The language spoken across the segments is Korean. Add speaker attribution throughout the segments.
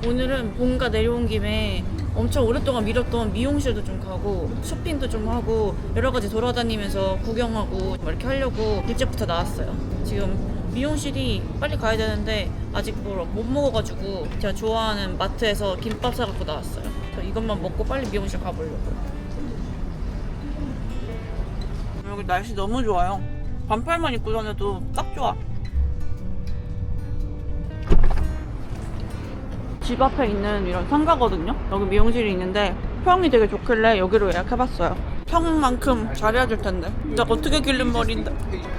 Speaker 1: 오늘은 본가 내려온 김에 엄청 오랫동안 미뤘던 미용실도 좀 가고 쇼핑도 좀 하고 여러 가지 돌아다니면서 구경하고 막 이렇게 하려고 일찍부터 나왔어요. 지금 미용실이 빨리 가야 되는데 아직 뭘 못 먹어가지고 제가 좋아하는 마트에서 김밥 사갖고 나왔어요. 그래서 이것만 먹고 빨리 미용실 가보려고요. 여기 날씨 너무 좋아요. 반팔만 입고 다녀도 딱 좋아. 집 앞에 있는 이런 상가거든요. 여기 미용실이 있는데 평이 되게 좋길래 여기로 예약해봤어요. 평만큼 잘해줄 텐데. 진짜 어떻게 기른 머리인데.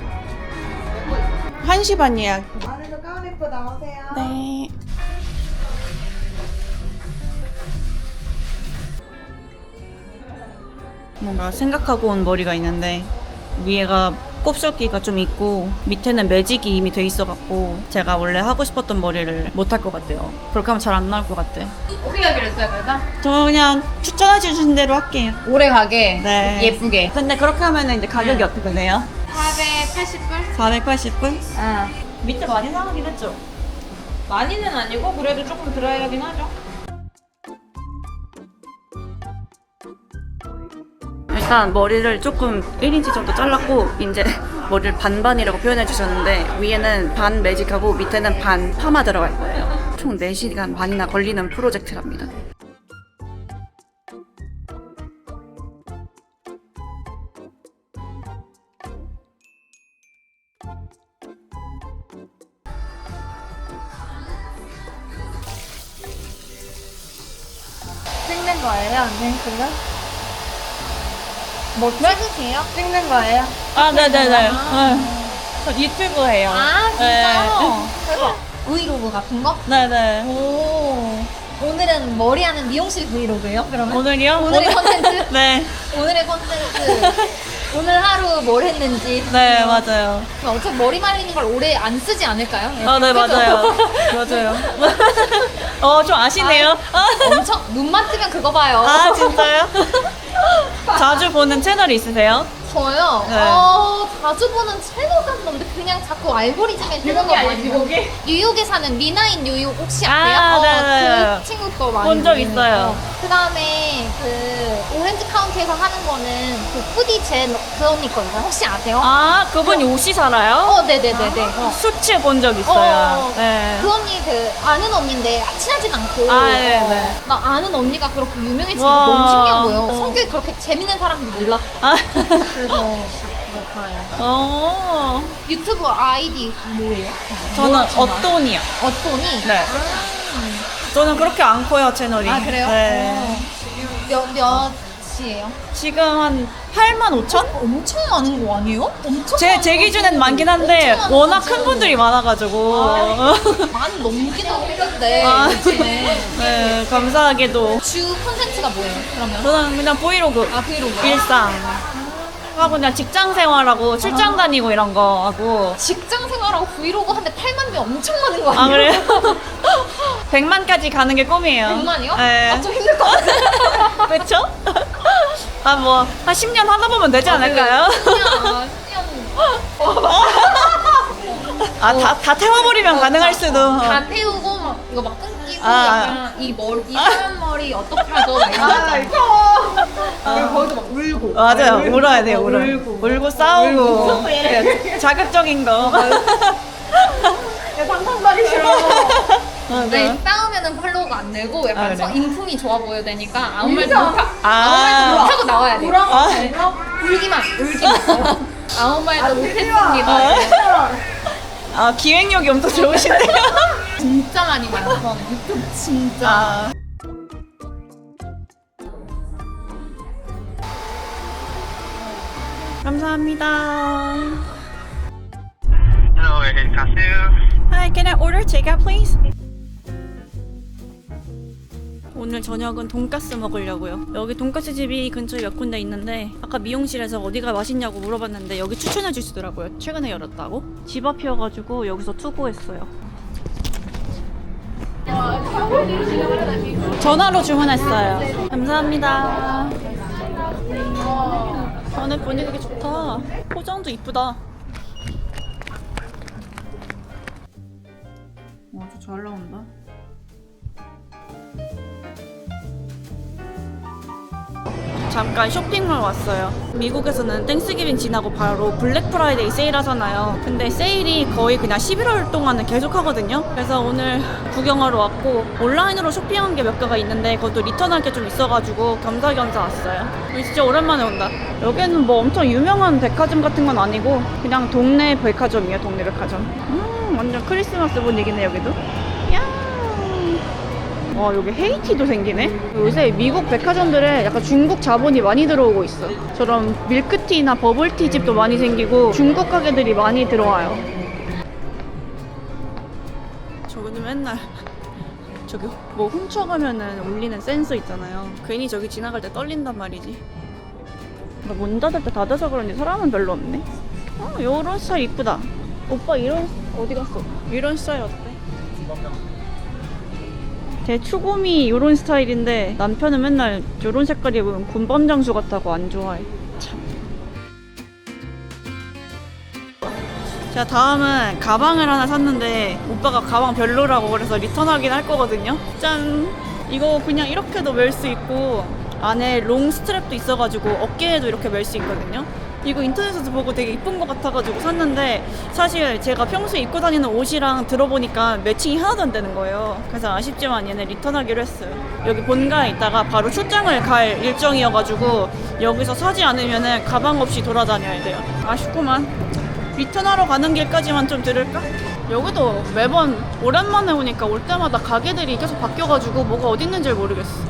Speaker 1: 1시 반 예약.
Speaker 2: 안에서 가운 입고 나오세요.
Speaker 1: 네. 뭔가 생각하고 온 머리가 있는데 위에가 곱슬기가 좀 있고 밑에는 매직이 이미 돼 있어갖고 제가 원래 하고 싶었던 머리를 못 할 것 같아요. 그렇게 하면 잘 안 나올 것 같아.
Speaker 3: 어떻게 하기로 했어요, 그래서?
Speaker 1: 저 그냥 추천해 주신 대로 할게요.
Speaker 3: 오래 가게,
Speaker 1: 네.
Speaker 3: 예쁘게.
Speaker 1: 근데 그렇게 하면 이제 가격이 어떻게 돼요?
Speaker 3: 480불?
Speaker 1: 480불?
Speaker 3: 아.
Speaker 1: 밑에 많이 나가긴 했죠?
Speaker 3: 많이는 아니고, 그래도 조금 드라이하긴 하죠.
Speaker 1: 일단 머리를 조금 1인치 정도 잘랐고 이제 머리를 반반이라고 표현해 주셨는데 위에는 반 매직하고 밑에는 반 파마 들어갈 거예요. 총 4시간 반이나 걸리는 프로젝트랍니다.
Speaker 2: 찍는 거예요? 언니 그거? 뭐 찍으세요? 찍는 거예요?
Speaker 1: 아, 네네네. 저 유튜브 해요.
Speaker 2: 아 진짜요? 대박. 브이로그 같은 거?
Speaker 1: 네네.
Speaker 2: 오. 오늘은 머리하는 미용실 브이로그예요? 그러면?
Speaker 1: 오늘이요?
Speaker 2: 오늘의 컨텐츠?
Speaker 1: 네.
Speaker 2: 오늘의 컨텐츠. 오늘 하루 뭘 했는지.
Speaker 1: 네, 맞아요.
Speaker 2: 그럼 어차피 머리 말리는 걸 오래 안 쓰지 않을까요?
Speaker 1: 아, 네,
Speaker 2: 그죠?
Speaker 1: 맞아요. 맞아요. 좀 아시네요.
Speaker 2: 엄청 눈만 뜨면 그거 봐요.
Speaker 1: 아, 진짜요? 자주 보는 채널이 있으세요?
Speaker 2: 저요?
Speaker 1: 네.
Speaker 2: 자주 보는 채널 같은 건데 그냥 자꾸 알고리즘에 뜨는 거 많이 봐요. 뉴욕에 사는 미나인 뉴욕 혹시 아세요?
Speaker 1: 아, 네네.
Speaker 2: 그 친구 거 많이
Speaker 1: 본 적
Speaker 2: 보는
Speaker 1: 있어요.
Speaker 2: 거. 그다음에 그 오렌지 카운티에서 하는 거는 그 푸디 젠 그 언니 거든요. 혹시 아세요?
Speaker 1: 아, 그분이 옷이 살아요?
Speaker 2: 네네네네.
Speaker 1: 수치 본 적 있어요. 네.
Speaker 2: 그 언니 그 아는 언니인데 친하진 않고
Speaker 1: 아, 네네.
Speaker 2: 나 아는 언니가 그렇게 유명해지니까
Speaker 1: 와.
Speaker 2: 너무 신기한 거예요.
Speaker 1: 어.
Speaker 2: 성격이 그렇게 재밌는 사람인지 몰랐어.
Speaker 1: 아,
Speaker 2: 그래서 봐요.
Speaker 1: 어.
Speaker 2: 유튜브 아이디 뭐예요?
Speaker 1: 저는 어돈이요.
Speaker 2: 어떠니?
Speaker 1: 네. 저는 그렇게 안 커요, 채널이.
Speaker 2: 아 그래요?
Speaker 1: 네.
Speaker 2: 몇이에요?
Speaker 1: 지금 한 85,000?
Speaker 2: 엄청 많은 거 아니에요? 엄청
Speaker 1: 제 기준엔 많긴 한데
Speaker 2: 엄청 많은
Speaker 1: 워낙
Speaker 2: 거지.
Speaker 1: 큰 분들이 많아가지고.
Speaker 2: 많이 넘기는 했는데
Speaker 1: 아,
Speaker 2: 요즘에
Speaker 1: 네, 감사하게도.
Speaker 2: 주 콘텐츠가 뭐예요? 그러면?
Speaker 1: 저는 그냥 브이로그.
Speaker 2: 아 브이로그
Speaker 1: 일상. 하고 그냥 직장 생활하고 출장 다니고 이런 거 하고.
Speaker 2: 직장 생활하고 브이로그 하는데 8만 명 엄청 많은 거
Speaker 1: 아,
Speaker 2: 아니에요?
Speaker 1: 그래요? 100만까지 가는 게 꿈이에요.
Speaker 2: 100만이요?
Speaker 1: 네.
Speaker 2: 아, 좀 힘들 것 같아요.
Speaker 1: 그쵸? 아, 뭐, 한 10년 하다 보면 되지 않을까요?
Speaker 2: 그냥
Speaker 1: 아, 다 태워버리면 가능할 수도.
Speaker 2: 다 태우고 막 이거 막 끊기고
Speaker 1: 아.
Speaker 2: 약간 이 머리 이 사람 머리 어떻게 하죠? 막 이런 거 있잖아요. 거기서 막 울고
Speaker 1: 맞아요. 울어야 돼요, 울고 싸우고. 네, 자극적인 거.
Speaker 2: 상상하기 싫어. 네,
Speaker 1: 맞아요.
Speaker 2: 싸우면은 팔로우가 안 되고 약간
Speaker 1: 아, 그래요?
Speaker 2: 인품이 좋아 보여야 되니까 아무 말도 못하고
Speaker 1: 아.
Speaker 2: 못하고 나와야 돼요.
Speaker 1: 아.
Speaker 2: 울기만. 아무 말도 못했습니다.
Speaker 1: 아, 기획력이 엄청 좋으신데요?
Speaker 2: 진짜 많이 봐요. 저는 유튜브 진짜.
Speaker 1: 아. 감사합니다.
Speaker 4: Hello, 가세요.
Speaker 1: Hi, can I order takeout, please? 오늘 저녁은 돈까스 먹으려고요. 여기 돈까스 집이 근처에 몇 군데 있는데 아까 미용실에서 어디가 맛있냐고 물어봤는데 여기 추천해 주시더라고요. 최근에 열었다고. 집 앞이어가지고 여기서 투고했어요. 전화로 주문했어요. 감사합니다. 안에 분위기 좋다. 포장도 이쁘다. 와, 저 잘 나온다. 잠깐 쇼핑몰 왔어요. 미국에서는 땡스기빙 지나고 바로 블랙 프라이데이 세일 하잖아요. 근데 세일이 거의 그냥 11월 동안은 계속 하거든요. 그래서 오늘 구경하러 왔고 온라인으로 쇼핑한 게 몇 개가 있는데 그것도 리턴할 게 좀 있어가지고 겸사겸사 왔어요. 여기 진짜 오랜만에 온다. 여기는 뭐 엄청 유명한 백화점 같은 건 아니고 그냥 동네 백화점이에요. 동네 백화점. 완전 크리스마스 분위기네 여기도. 야. 와 여기 헤이티도 생기네. 요새 미국 백화점들에 약간 중국 자본이 많이 들어오고 있어. 저런 밀크티나 버블티 집도 많이 생기고 중국 가게들이 많이 들어와요. 저기는 맨날 저기 뭐 훔쳐가면은 울리는 센서 있잖아요. 괜히 저기 지나갈 때 떨린단 말이지. 그러니까 문 닫을 때 닫아서 그런지 사람은 별로 없네. 요런 스타일 이쁘다. 오빠 이런 어디 갔어? 이런 스타일 어때? 제 추곰이 이런 스타일인데 남편은 맨날 이런 색깔 입으면 군밤 장수 같다고 안 좋아해. 참. 자 다음은 가방을 하나 샀는데 오빠가 가방 별로라고 그래서 리턴하긴 할 거거든요. 짠! 이거 그냥 이렇게도 멜 수 있고 안에 롱 스트랩도 있어가지고 어깨에도 이렇게 멜 수 있거든요. 이거 인터넷에서 보고 되게 이쁜 것 같아가지고 샀는데 사실 제가 평소에 입고 다니는 옷이랑 들어보니까 매칭이 하나도 안 되는 거예요. 그래서 아쉽지만 얘네 리턴하기로 했어요. 여기 본가에 있다가 바로 출장을 갈 일정이어가지고 여기서 사지 않으면 가방 없이 돌아다녀야 돼요. 아쉽구만. 리턴하러 가는 길까지만 좀 들을까? 여기도 매번 오랜만에 오니까 올 때마다 가게들이 계속 바뀌어가지고 뭐가 어디 있는지 모르겠어.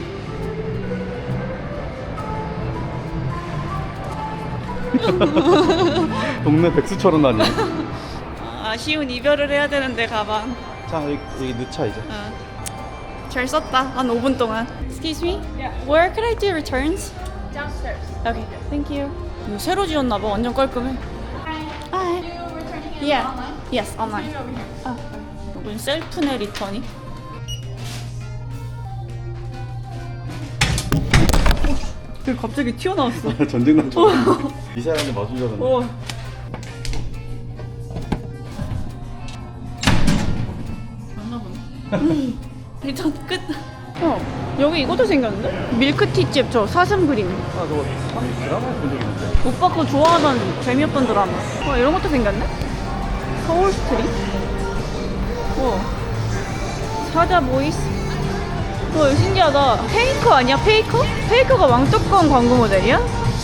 Speaker 5: 동네 백수처럼 다니네.
Speaker 1: 아쉬운 이별을 해야 되는데 가방.
Speaker 5: 자 여기 넣자 이제.
Speaker 1: 잘 썼다. 한 5분 동안. Excuse me? Where could I do returns?
Speaker 3: Downstairs.
Speaker 1: Okay, thank you. 이거 새로 지었나 봐. 완전 깔끔해. Hi. Yeah. Yes, online. 여긴 셀프네 리턴이. 갑자기 튀어나왔어.
Speaker 5: 전쟁 난처럼. 미사일한테 맞은 줄 알았네.
Speaker 1: 리턴 끝. 여기 이것도 생겼는데? 밀크티집 저 사슴 그림.
Speaker 5: 아 저거 드라마에 본 적 있는데.
Speaker 1: 오빠 거 좋아하던 재미없던 드라마. 이런 것도 생겼네? 서울 스트릿? 사자 보이스? 이거 신기하다. 페이커 아니야? 페이커? 페이커가 왕뚜껑 광고 모델이야?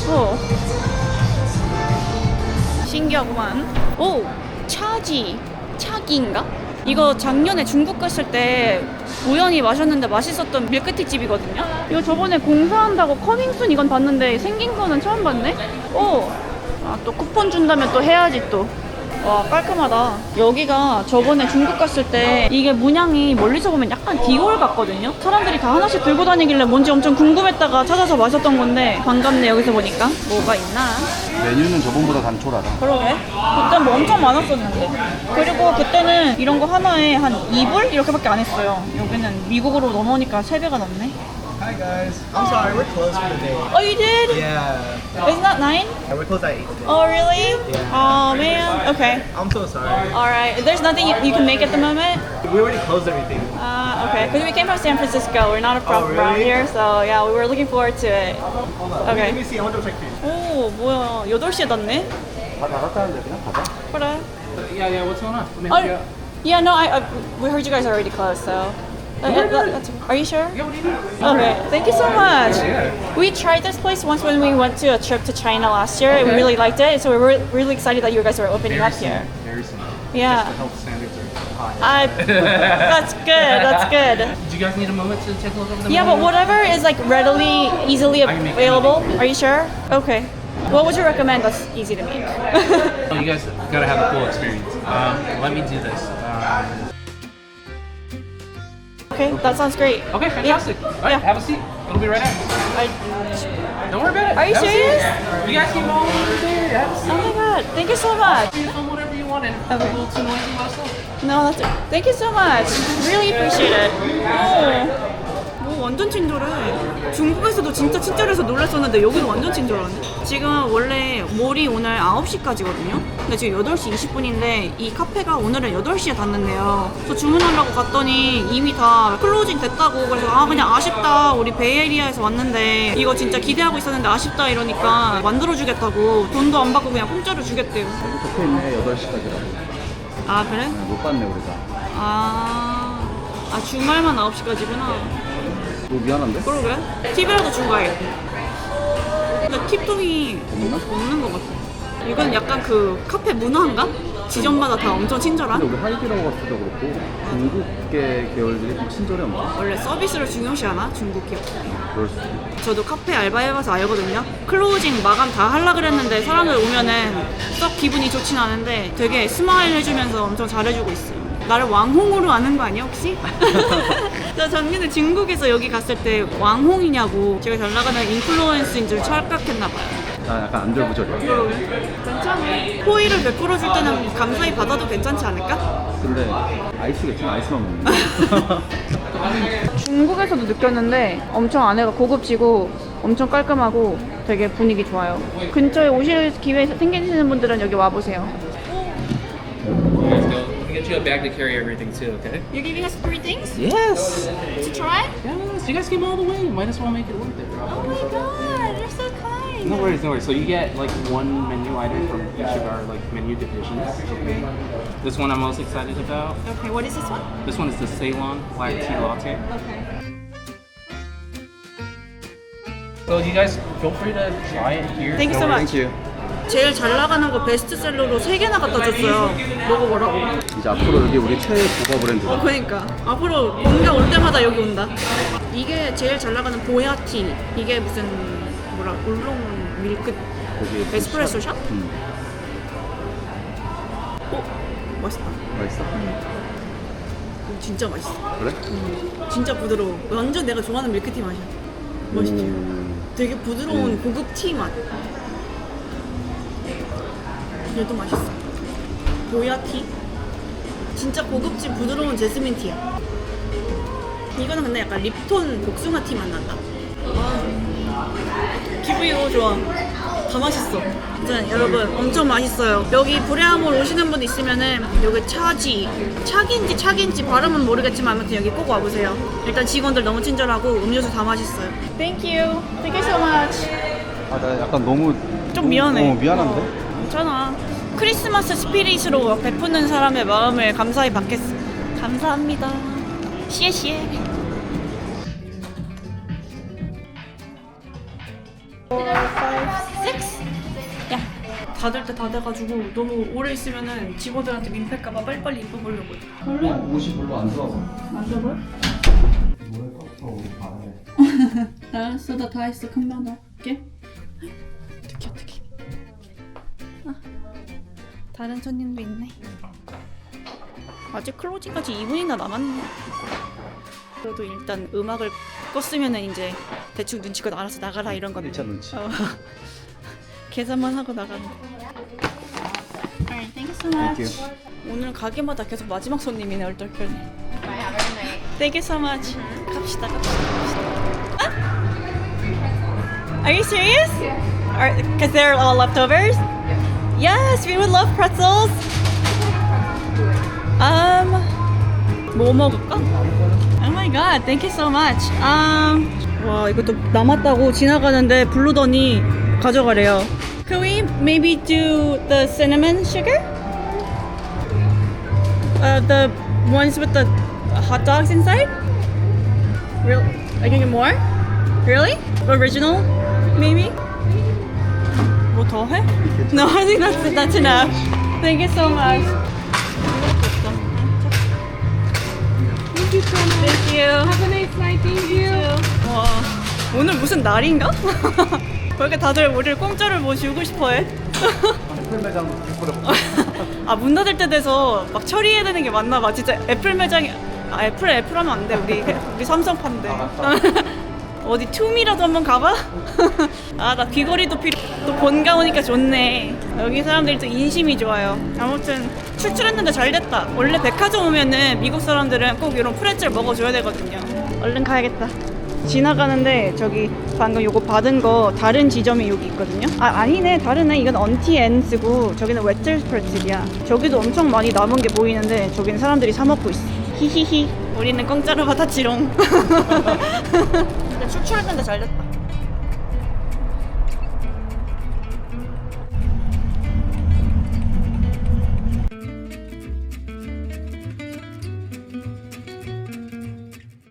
Speaker 1: 신기하구만. 오! 차기인가? 이거 작년에 중국 갔을 때 우연히 마셨는데 맛있었던 밀크티 집이거든요? 이거 저번에 공사한다고 커밍순 이건 봤는데 생긴 거는 처음 봤네? 또 쿠폰 준다면 또 해야지 또. 와 깔끔하다. 여기가 저번에 중국 갔을 때 이게 문양이 멀리서 보면 약간 디올 같거든요. 사람들이 다 하나씩 들고 다니길래 뭔지 엄청 궁금했다가 찾아서 마셨던 건데 반갑네. 여기서 보니까 뭐가 있나.
Speaker 5: 메뉴는 저번보다 단촐하다.
Speaker 1: 그러게. 그때 뭐 엄청 많았었는데. 그리고 그때는 이런 거 하나에 한 2불? 이렇게밖에 안 했어요. 여기는 미국으로 넘어오니까 3배가 넘네.
Speaker 6: Hi guys. I'm sorry, we're closed for the day.
Speaker 1: Oh, you did?
Speaker 6: Yeah.
Speaker 1: Isn't that 9?
Speaker 6: Yeah, we're closed at 8 today.
Speaker 1: Oh, really?
Speaker 6: Yeah.
Speaker 1: Oh, man. Okay.
Speaker 6: I'm so sorry.
Speaker 1: Alright. There's nothing you can make at the moment?
Speaker 6: We already closed everything.
Speaker 1: Okay. Because we came from San Francisco. We're not from
Speaker 6: really?
Speaker 1: around here. So, yeah, we were looking forward to it.
Speaker 6: Hold on.
Speaker 1: Okay.
Speaker 6: Let me see. I want to check for you.
Speaker 1: 오, 뭐야. 8시에 닫네?
Speaker 5: 다 닫았다는데 그냥 가자.
Speaker 1: 그래.
Speaker 7: Yeah, what's going on? Let me help you
Speaker 1: Oh,
Speaker 7: out.
Speaker 1: yeah, no, we heard you guys are already closed, so. Are you sure?
Speaker 7: Yeah, what do you need?
Speaker 1: Okay, thank you so much. We tried this place once when we went to a trip to China last year. And we really liked it, so we were really excited that you guys were opening up here.
Speaker 7: Very simple.
Speaker 1: Yeah.
Speaker 7: Health standards are high.
Speaker 1: That's good. That's good.
Speaker 7: Do you guys need a moment to take a look over the
Speaker 1: Yeah, but
Speaker 7: menu?
Speaker 1: whatever is like readily, easily
Speaker 7: can make
Speaker 1: available. Are you sure? Okay. What would you recommend that's easy to make?
Speaker 7: Oh, you guys gotta have a cool experience. Let me do this.
Speaker 1: Okay, that sounds great.
Speaker 7: Okay, fantastic. All right,
Speaker 1: Yeah.
Speaker 7: have a seat. It'll be right out. Don't worry about it.
Speaker 1: Are you
Speaker 7: Have a seat.
Speaker 1: serious?
Speaker 7: You guys keep all over there. Have a seat.
Speaker 1: Oh my god, thank you so much.
Speaker 7: You film whatever you want, and if it's
Speaker 1: Okay.
Speaker 7: a little too noisy, let us know.
Speaker 1: No, that's it. Thank you so much. Really appreciate it. 오, 완전 친절해. 중국에서도 진짜 친절해서 놀랐었는데 여기도 완전 친절하네. 지금 원래 몰이 오늘 9시까지거든요. 근데 지금 8시 20분인데 이 카페가 오늘은 8시에 닫는데요. 저 주문하려고 갔더니 이미 다 클로징 됐다고. 그래서 아 그냥 아쉽다. 우리 베이에리아에서 왔는데 이거 진짜 기대하고 있었는데 아쉽다 이러니까 만들어주겠다고. 돈도 안 받고 그냥 공짜로 주겠대요.
Speaker 5: 여기 적혀있네 8시까지라고.
Speaker 1: 아 그래?
Speaker 5: 못 봤네 우리가.
Speaker 1: 아 주말만 9시까지구나.
Speaker 5: 뭐 미안한데?
Speaker 1: 그러게. 팁이라도 주고 가야겠다. 근데 팁통이
Speaker 5: 없나?
Speaker 1: 없는 것 같아. 이건 약간 그 카페 문화인가? 지점마다 다 엄청 친절한?
Speaker 5: 근데 우리 하이디라고 갔을 때도 그렇고 중국계 계열들이 좀 친절해 엄청.
Speaker 1: 원래 서비스를 중요시하나? 중국 기업들이.
Speaker 5: 그럴 수 있어.
Speaker 1: 저도 카페 알바해봐서 알거든요. 클로징 마감 다 하려고 그랬는데 사람들 오면은 썩 기분이 좋진 않은데 되게 스마일 해주면서 엄청 잘해주고 있어요. 나를 왕홍으로 아는 거 아니야 혹시? 저 작년에 중국에서 여기 갔을 때 왕홍이냐고 제가 잘 나가는 인플루언스인 줄 착각했나봐요.
Speaker 5: 나 약간 안절부절이야.
Speaker 1: 괜찮아. 호의를 베풀어 줄 때는 감사히 받아도 괜찮지 않을까?
Speaker 5: 근데 아이스겠지? 아이스만 먹는
Speaker 1: 중국에서도 느꼈는데 엄청 안에가 고급지고 엄청 깔끔하고 되게 분위기 좋아요. 근처에 오실 기회 생기시는 분들은 여기 와보세요.
Speaker 7: Let's go. We'll get you a bag to carry everything too, okay?
Speaker 1: You're giving us 3 things
Speaker 7: Yes.
Speaker 1: to try?
Speaker 7: Yes. You guys came all the way. Might as well make it worth it.
Speaker 1: Oh my god, you're so kind.
Speaker 7: No worries, no worries. So you get like one menu item from each of our like menu divisions.
Speaker 1: Okay.
Speaker 7: This one I'm most excited about.
Speaker 1: Okay, what is this one?
Speaker 7: This one is the Ceylon Black Tea Latte.
Speaker 1: Okay.
Speaker 7: So you guys feel free to try it here.
Speaker 1: Thank you so much.
Speaker 5: 땡큐.
Speaker 1: 제일 잘 나가는 거 베스트셀러로 3개나 갖다 줬어요. 먹어보라고.
Speaker 5: 이제 앞으로 여기 우리 최애 고가 브랜드다.
Speaker 1: 그러니까 앞으로 뭔가 올 때마다 여기 온다. 이게 제일 잘 나가는 보야티. 이게 무슨 뭐라 울롱 밀크
Speaker 5: 거기
Speaker 1: 에스프레소 샷? 오 맛있다.
Speaker 5: 맛있어?
Speaker 1: 진짜 맛있어.
Speaker 5: 그래?
Speaker 1: 진짜 부드러워. 완전 내가 좋아하는 밀크티 맛이야. 맛있지? 되게 부드러운 고급 티 맛. 얘도 맛있어. 보야티. 진짜 고급진 부드러운 제스민 티야. 이거는 근데 약간 립톤 복숭아 티 맛 난다. 기분이 너무 좋아. 다 맛있어. 일단 여러분 엄청 맛있어요. 여기 브레아몰 오시는 분 있으면은 여기 차기인지 발음은 모르겠지만 아무튼 여기 꼭 와보세요. 일단 직원들 너무 친절하고 음료수 다 맛있어요. Thank you. Thank you so much.
Speaker 5: 아, 나 약간 너무
Speaker 1: 좀 미안해.
Speaker 5: 미안한데?
Speaker 1: 괜찮아. 크리스마스 스피릿으로 베푸는 사람의 마음을 감사히 받겠어. 감사합니다. 시에시에. 4, 5, 6. 야, 닫을 때 다 돼가지고 너무 오래 있으면은 직원들한테 민폐일까봐 빨리빨리 입어보려고 해.
Speaker 5: 옷이 별로 안 좋아서.
Speaker 1: 안 좋아요?
Speaker 5: 뭐랄까? 우리 바람에.
Speaker 1: 알았어, 나 다 했어. 금방 넣을게. 어떡해. 다른 손님도 있네. 아직 클로징까지 2분이나 남았네. 그래도 일단 음악을 껐으면은 이제 대충 눈치껏 알아서 나가라 이런 건데.
Speaker 5: 1차 눈치.
Speaker 1: 계산만 하고 나가는 거. Alright, thank you so much. 오늘 가게마다 계속 마지막 손님이네 얼떨결에. Thank you so much. 갑시다. 아? Are you serious? Because they're all leftovers? Yes, we would love pretzels. 뭐 먹을까? Oh my god, thank you so much. 와, 이것도 남았다고 지나가는데 부르더니 가져가래요. Could we maybe do the cinnamon sugar? The ones with the hot dogs inside? Real? I can get more? Really? Original? Maybe? 뭐 더 해? No, I think that's enough. Thank you so much. Thank you. Have a nice night. Thank you. 와, 오늘 무슨 날인가? 왜 이렇게 다들 우리를 공짜로 뭐 주고 싶어해?
Speaker 5: 애플 매장 뿌려.
Speaker 1: 아, 문 닫을 때 돼서 막 처리해야 되는 게 맞나 봐. 진짜 애플 매장이 애플 하면 안 돼. 우리 삼성판데. 어디 투미라도 한번 가봐? 아, 나 귀걸이도 또 본가 오니까 좋네. 여기 사람들이 또 인심이 좋아요. 아무튼 출출했는데 잘 됐다. 원래 백화점 오면은 미국 사람들은 꼭 이런 프레첼 먹어줘야 되거든요. 얼른 가야겠다. 지나가는데 저기 방금 요거 받은 거 다른 지점이 여기 있거든요. 아 아니네, 다르네. 이건 언티엔스고 저기는 웨틀스프레틀이야. 저기도 엄청 많이 남은 게 보이는데 저기는 사람들이 사 먹고 있어. 히히히. 우리는 공짜로 받았지롱. 근데 출출할 텐데 잘 됐다.